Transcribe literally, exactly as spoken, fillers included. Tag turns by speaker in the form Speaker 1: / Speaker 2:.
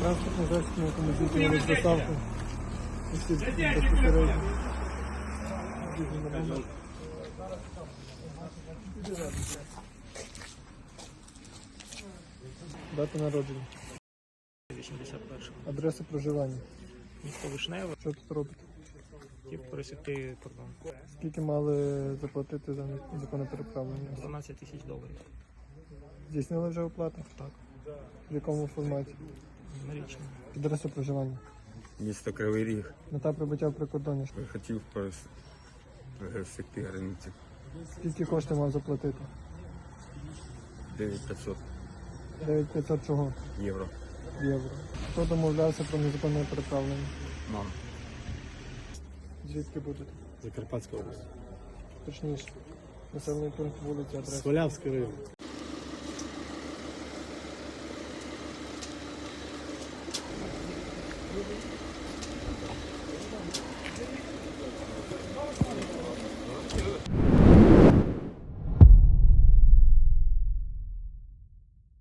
Speaker 1: Транспортний засіб, на якому здійснювали доставку осіб безпосередньо. Дата народження.
Speaker 2: вісімдесят першого.
Speaker 1: Адреса проживання.
Speaker 2: Місто Вишневе.
Speaker 1: Що тут робите?
Speaker 2: Хотів пересікти кордон.
Speaker 1: Скільки мали заплатити за незаконне переправлення?
Speaker 2: дванадцять тисяч доларів.
Speaker 1: Здійснили вже оплату?
Speaker 2: Так.
Speaker 1: В якому форматі?
Speaker 2: Налічно.
Speaker 1: Адреса проживання.
Speaker 3: Місто Кривий Ріг.
Speaker 1: Мета прибуття в прикордонні.
Speaker 3: Хотів перес- пересекти границю.
Speaker 1: Скільки коштів мав заплатити?
Speaker 3: дев'ять тисяч п'ятсот
Speaker 1: дев'ять тисяч п'ятсот чого?
Speaker 3: євро.
Speaker 1: Євро. Хто домовлявся про незаконне переправлення?
Speaker 3: Мам.
Speaker 1: Звідки будете?
Speaker 4: Закарпатська область.
Speaker 1: Точніше. Населений пункт, вулиця, адреса.
Speaker 4: Свалявський район.